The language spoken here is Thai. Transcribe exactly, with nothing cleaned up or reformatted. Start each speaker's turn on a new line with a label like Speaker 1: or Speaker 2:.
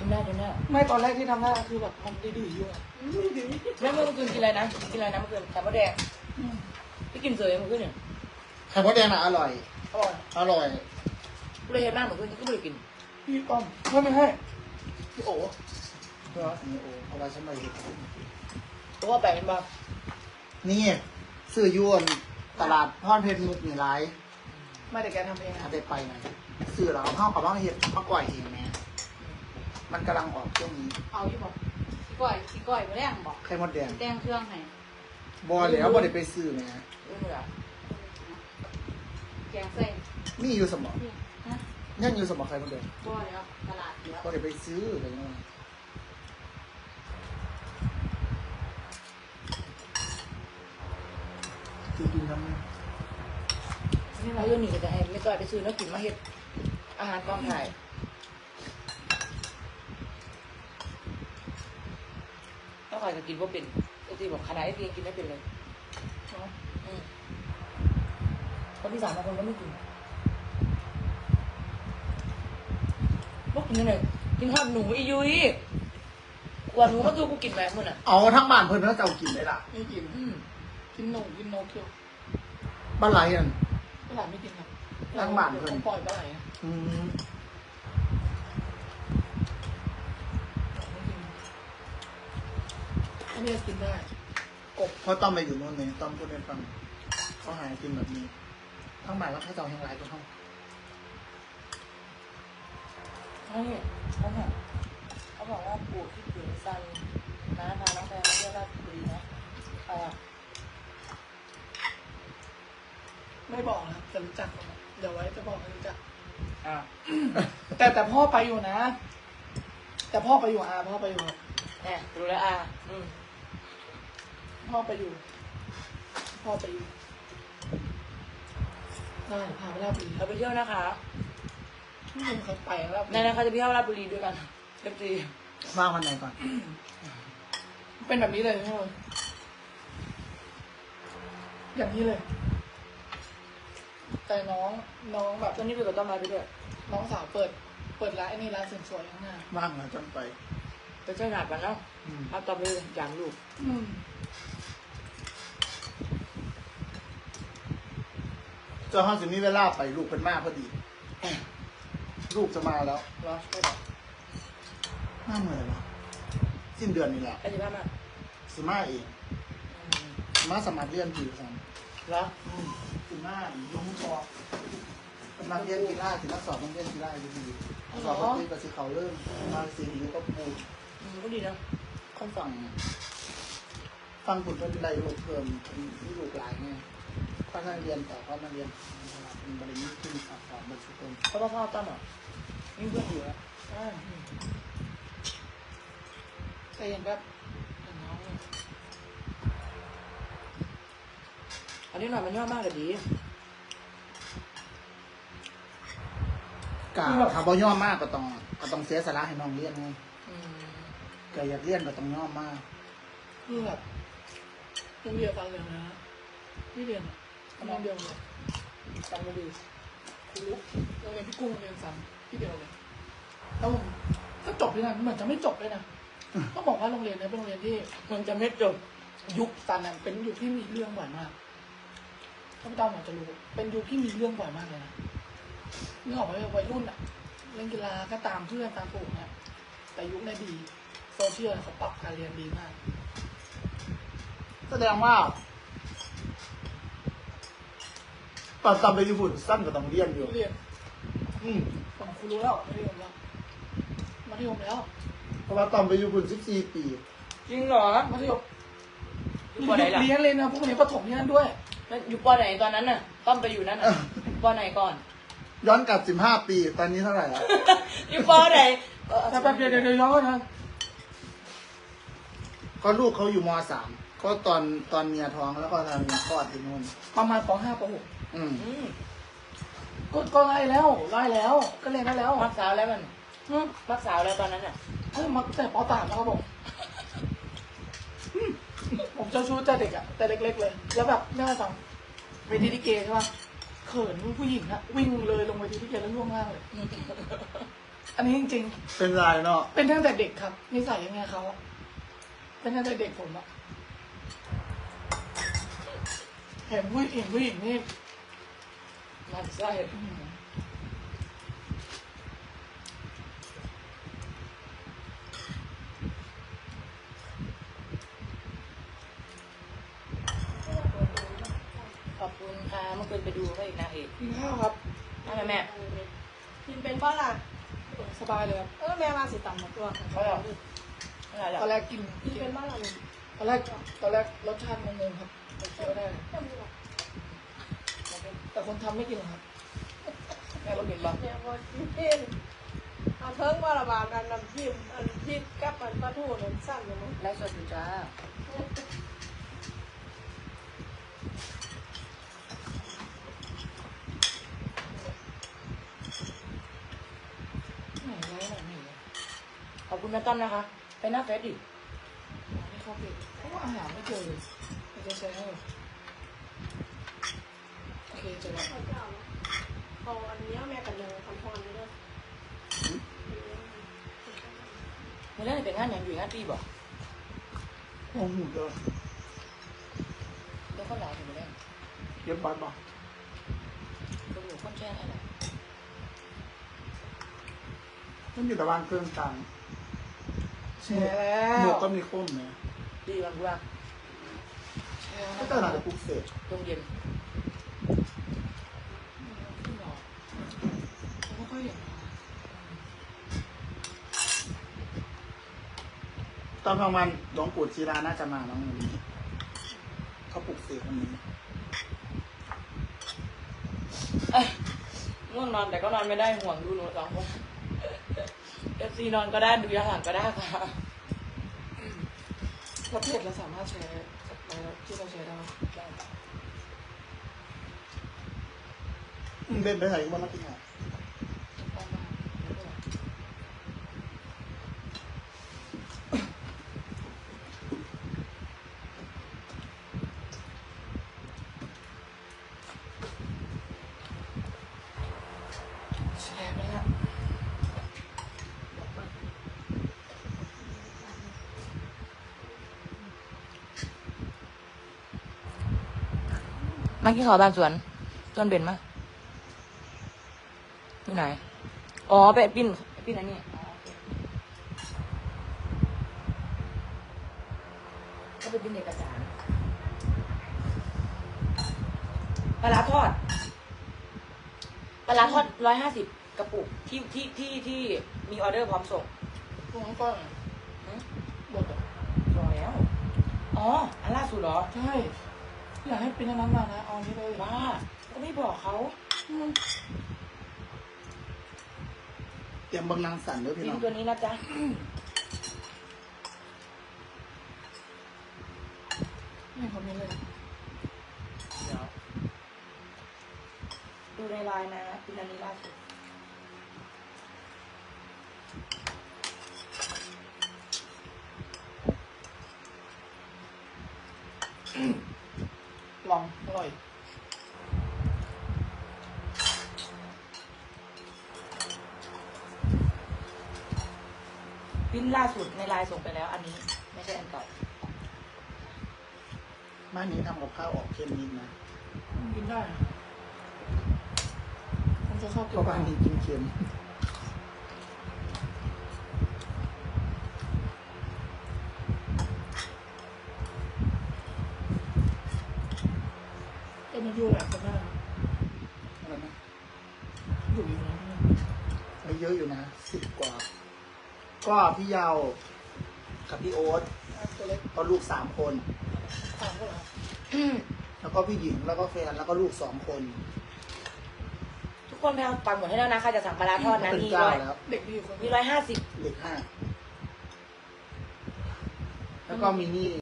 Speaker 1: กินได้กินได้
Speaker 2: ไม่ตอนแรกที่ทำได้คือแบบมันดื้อๆอยู่อะ
Speaker 1: แม่เมื่อคืนกินอะไรนะกินอะไรนะเมื่อคืนไข่มดแดงพี่กินเสยเมื่อคืนเนี่ย
Speaker 3: ไข่มดแดงน่ะอร่อย
Speaker 2: อร่อย
Speaker 3: อร่อย
Speaker 1: กูเลยเห็นหน้าเมื่อคืนก็ไม่ได้กิน
Speaker 2: พี่ป้อมไม่ไม่ให้พี่โอ๋
Speaker 3: เหรอนี่โอ้เอาไว้ฉันไปเห็น
Speaker 1: ตัวแปลกเป็นบ้า
Speaker 3: นี่ซื้อยวนตลาดพรเพชรมุกนี่ไร
Speaker 2: ไม่แต่แกทำเอง
Speaker 3: ถ้า
Speaker 2: อะ
Speaker 3: ได้ไปนะซื้อแล้วเอาเข้ากับว่าเห็ดมะก่อยเองแม่มันกำลังออกช่วงนี้
Speaker 2: เอาที่บอก
Speaker 4: ขี้ก้อยขี้ก้อยมาแรงบอก
Speaker 3: ไข่มดแดง
Speaker 4: แดงเครื่องให้
Speaker 3: บอลแล้วบอลได้ไปซื้อแม่
Speaker 1: ไม่เหมือน
Speaker 4: แกงใส่
Speaker 3: มีอยู่สมอง
Speaker 4: นี่ฮะ
Speaker 3: ยังอยู่สมองไข่มดแดง
Speaker 4: บ่แล้วตลาดเยอะ
Speaker 3: บอลได้ไปซื้ออะไรเงี้ยคือกินทำไม
Speaker 1: นี่เราเรื่องนี้ก็จะให้ไม่ก่อยไปซื้อแล้วกินมาเห็ดอาหารกองถ่ายแล้วใครจะกินว่าเป็นไอ้ที่บอกขนาดไอ้ที่กินไม่เป็นเลยคนที่สามบางคนก็ไม่กินพวกกินยังไงกินทอดหนูอียุ้ยกว่าหนูก็คือกูกินแบบมึงอ่ะ
Speaker 3: เอาทั้งบ้านเพิ่นแล้วจะเอากินได้ล่ะ
Speaker 2: ไม่กินกินนมกินนกเคี้ยว
Speaker 3: บ้านไรอ่ะ
Speaker 2: ปลาไหลไม่กินครับ
Speaker 3: ล้างบ้านเพิ่น
Speaker 2: ผมปล่อยปลาไหลนะ
Speaker 3: อืม
Speaker 2: อันนี้กินได้กบ
Speaker 3: เขาต้องไปอยู่โน่นเลยต้องพูดให้ฟังเขาหายกินแบบนี้ทั้งบ้านแล้วให้เจ้าแห่งไรก็เข้า
Speaker 1: ใช่เขาบอกเขาบอกว่าปู่ที่ถึงซันน้าพาน้องแพรมาเที่ยวราชบุรีนะใครอ่ะ
Speaker 2: ไม่บอกนะครับจะรู้จักผมเดี๋ยวไว้จะบอกให้รู้จัก
Speaker 1: อ่า
Speaker 2: แต่แต่พ่อไปอยู่นะ แต่พ่อไปอยู่อาพ่อไปอยู่
Speaker 1: แหมรู้แล้วอ่ะอืม
Speaker 2: พ่อไปอยู่ พ่อไปอยู่ได้พาไปราชบุรี
Speaker 1: เราไปเที่ยวนะคะ
Speaker 2: ที่ผมเคยไปแล้ว
Speaker 1: ในนั้นเขาจะไปเที่ยวราชบุรีด้วยกันเต็มที
Speaker 3: ว่างวันไหนก่อน
Speaker 2: เป็นแบบนี้เลยใช่ไหมอย่างนี้เลย แต่น้องน้องแบบ
Speaker 1: ตอนนี้ไปกับต้นไม้ไปด้วย
Speaker 2: น้องสาวเปิด เปิดร้านไอ้นี่ร้านเสริมสวยข้างหน้า
Speaker 3: ว่างเหรอจนไป
Speaker 1: ไปเที่ยวหาดกันเนาะ
Speaker 3: อืม
Speaker 1: เอาต่อไปอย่างลูก
Speaker 2: อืม
Speaker 3: เจ้าห้องจะมีเวลาไปลูกเป็นมากพอดี ลูกจะมาแล้ว
Speaker 1: เหรอไม่บอก
Speaker 3: ห้าหมื่นเหรอสิ้นเดือนนี่แหละ
Speaker 1: ไปที่บ้านมา
Speaker 3: สมาเอง
Speaker 1: อืม
Speaker 3: สมาสมัครเรียนผิวสัน
Speaker 1: เหรอ
Speaker 3: สมาลงคอกำลังเรียนกีฬาถึงนักสอบต้องเรียนกีฬาอยู่ดีสอบปฏิบัติเขาเริ่มมาสีหิวก็ปู
Speaker 1: อืมก็ดีนะ
Speaker 3: ค่อนฟังฟังผลเป็นไรลูกเพิ่มที่ลูกหลายไงเพราะนั่งเรียนต่อเพราะนั่งเรียนเป็นบริษัทขึ้นสอบสอบบรรจุต้น
Speaker 1: เพราะว่าพ่อตั้มอ่ะมีเพื่อนอยู่แล้ว
Speaker 2: อ่าแต่เห็นแบบเห็นน้องเนี่ย
Speaker 1: อันนี้หน่อยมันย่อมากเลยดี
Speaker 3: กาทำบ่ย่อมากก็ต้องก็ต้องเสียสละให้น้องเรียนไง
Speaker 1: อืม
Speaker 3: ก็อยากเรียนก็ต้องย่อมาก
Speaker 2: คือแบบโรงเรียนกันเลยนะที่เรียนอะโรงเรียนเลย
Speaker 1: ตั้งไม่ดี
Speaker 2: ครูโรงเรียนพี่กุ้งโรงเรียนซ้ำที่เดียวเลยแล้วผมก็จบที่นั่นเหมือนจะไม่จบเลยนะต้องบอกว่าโรงเรียนนี้เป็นโรงเรียนที่
Speaker 1: มันจะไม่จบ
Speaker 2: ยุคซันนั้นเป็นยุคที่มีเรื่องบ่อยมากท่านผู้ชมอาจจะรู้เป็นยุคที่มีเรื่องบ่อยมากเลยนะนึกออกไหมวัยรุ่นอะเล่นกีฬาก็ตามเพื่อนตามปู่เนี่ยแต่ยุคนี้ดีโซเชียลเขาปรับการเรียนดีมาก
Speaker 3: แสดงว่าตอนตอนไปญี่ปุ่นสั้นก็ต้องเรียนอยู่
Speaker 2: เรียน
Speaker 3: อืม
Speaker 2: ผมครูรู้แล้วมัธยมแล้วมัธยมแล้ว
Speaker 3: เพราะว่าตอนไปญี่ปุ่นสิบสี่ปี
Speaker 1: จริงเหรอ
Speaker 2: มัธยม
Speaker 1: อยู่ปอไหนล่ะ
Speaker 2: เรียนเลยนะพวกนี้ประถมที่นั่นด้วย
Speaker 1: แล้วอยู่ปอไหนตอนนั้นน่ะต้อมไปอยู่นั่นน่ะปอไหนก่อน
Speaker 3: ย้อนกลับสิบห้าปี ตอนนี้เท่าไหร่แล้ว
Speaker 1: อยู่ปอไหนเออ
Speaker 2: แต่แป๊บเดียวเดี๋ยวเดี๋ยวย้อนก่อนนะ
Speaker 3: ก็ลูกเขาอยู่มสามก็ตอนตอนเมียท้องแล้วก็ทำเมียคลอดที่นู่น
Speaker 2: ประมาณปห้าปหก
Speaker 3: อืม
Speaker 1: อืม
Speaker 2: ก็ก็ไล่แล้วไล่แล้ว ก็เรียนได้แล้ว
Speaker 1: มักสาวแล้วมัน
Speaker 2: อืม
Speaker 1: มักสาวแล้วตอนนั้นน่ะ
Speaker 2: เอ้ยมาแต่ปสามนะครับผมอืมผมเจ้าชู้แต่เด็กอะแต่เล็กๆเลย แล้วแบบไม่ให้ฟังเวทีลิเกใช่ป่ะเขินผู้หญิงอะวิ่งเลยลงเวทีลิเกแล้วล่วงล่างเลยอันนี้จริง
Speaker 3: เป็นลายเนาะ
Speaker 2: ๆเป็นตั้งแต่เด็กครับนิสัยยังไงเขาอะเป็นตั้งแต่เด็กผมอะเห็นผู้หญิงผู้หญิงนี่
Speaker 1: มันไส้
Speaker 2: อืม
Speaker 1: ขอบคุณค่ะเมื่อคืนไปดูเขาอีกนางเอก
Speaker 2: กินข้าวครับ
Speaker 1: นั่นแหละแม่
Speaker 4: กินเป็นบ้าล่ะ
Speaker 2: สบายเลยครับ
Speaker 4: เออแม่มาสิต่ำหมดตัว
Speaker 1: เขาหรอไม่หร
Speaker 2: ตอน
Speaker 1: อก
Speaker 2: แรกกิน
Speaker 4: กินเป็นบ้าล่ะลุง
Speaker 2: ตอนแรกตอนแรกรสชาติงงๆครับแต่เคี้ยวได้ แต่คนทำไม่กินหรอกครับ
Speaker 1: แม่ก็กินบ้าง
Speaker 5: เนี่ยว่ากินเอาเทิงว่าระบาดกันน้ำจิ้มอันจิ้มกับอันปลาทูเนี่ยสั้นอยู่มั้ง
Speaker 1: ไลฟ์สดอยู่จ้า
Speaker 2: ไหนไว้ไหนไหนวะ
Speaker 1: ขอบคุณแม่ต้อมนะคะ ไปหน้าเฟซดิ
Speaker 2: ไม่เข้าไปเพราะว่าอาหารไม่เจอเลยไม่เจอแชร์ให้โอเคเจอแล้ว
Speaker 5: เขาจะเอาเอาอันนี้แม่กันเลยคำพรนี่ด้วย
Speaker 1: เมื่อเรื่องเป็นงานอย่างอยู่งานปีบอก
Speaker 3: โอ้โหเด้อ
Speaker 1: เดี๋ยวเขาหลายถึงเรื่อง
Speaker 3: เย็บบัตรบอก
Speaker 1: ตำรวจคนแช่งอะไร
Speaker 3: มันอยู่ตะวันเครื่องกลาง
Speaker 2: แชร์แล้
Speaker 3: หม
Speaker 2: ว
Speaker 3: วกก็มีคมนะ
Speaker 1: ดีมันกูว่า
Speaker 2: แชร์
Speaker 3: ก็
Speaker 2: นะ
Speaker 3: ตลาดปลุกเสก
Speaker 1: ตรงเย็น
Speaker 2: ขึ้นหรอผมไม่ค่อยเห็นนะ
Speaker 3: ตอนกลางวันหลวงปู่ชีราน่าจะมาน้องวันนี้เขาปลุกเสกวันนี้
Speaker 1: เอ้ยง่วงนอนแต่ก็นอนไม่ได้ห่วงดูหนูสองคนเอฟซีนอนก็ได้ดูย้อนหลังก็ได้ค่ะ
Speaker 2: แล้วเพจเราสามารถแชร์ไปแล้วที่เราแชร์ได้ไหม
Speaker 3: อืมเล่นไปไหนวันละกี่หา
Speaker 2: ได้มากไม่เป็นไรแชร์ไปแล้ว
Speaker 1: มากินข้าวบ้านสวนสวนเบนมาที่ไหน อ๋อไปปิ้นปิ้นอันนี้อ๋อโอเคก็ไปปิ้นเอกสารปลาร้าทอดปลาร้าทอดร้อยห้าสิบกระปุกที่ที่ที่ที่มีออเดอร์พร้อมส่ง
Speaker 2: พวกน้องก้อย
Speaker 1: หืม
Speaker 2: หมดอ่ะ
Speaker 1: รอแล้ว อ๋อ อันล่าสุดเหรอ
Speaker 2: ใช่อยากให้เป็นอันนั้นมานะเอาอันนี้เลย
Speaker 1: บ้าก็ไม่บอกเขา
Speaker 2: อืม
Speaker 3: เตรียมบังนางสันด้วยพี่
Speaker 1: ปิ้
Speaker 3: น้
Speaker 1: น
Speaker 3: อง
Speaker 1: ตัวนี้นะจ๊ะ
Speaker 2: ไม่คอมเมนต์เลยนะ
Speaker 1: เดี๋ยวดูในไลน์นะปิ้นอันนี้ล่าสุด
Speaker 2: ลองอร่อย
Speaker 1: ปิ้นล่าสุดในไลน์ส่งไปแล้ว อันนี้ไม่ใช่อันเก่า
Speaker 3: บ้านนี้ทำกับข้าวออกเค็มนิดนะ
Speaker 2: กินได้นะผมจะชอบ
Speaker 3: เพ
Speaker 2: กิน
Speaker 3: ราะบ้านนี้กินเค็ม
Speaker 2: เอ็นยูแหละคนหน้า
Speaker 3: อะไรนะ
Speaker 2: อยู่อยู่นะ
Speaker 3: ไม่เยอะอยู่นะสิบกว่า ก็พี่เยาวกับพี่โอ๊ต
Speaker 2: ตัวเล็ก
Speaker 3: ก็ลูกสามคน
Speaker 2: สามก็เหรอ
Speaker 3: แล้วก็พี่หญิงแล้วก็แฟนแล้วก็ลูกสองคน
Speaker 1: ทุกคนไปเอาปังหมดให้แล้วนะใครจะสั่งปลาร้าทอดนะ
Speaker 3: เป็น
Speaker 1: มี
Speaker 3: เจ้า
Speaker 1: ร้อย
Speaker 3: แล้ว
Speaker 2: เด็กดีอยู่คน
Speaker 1: มีร้อยห้าสิบ
Speaker 3: เด็กห้าแล้วก็มีนี่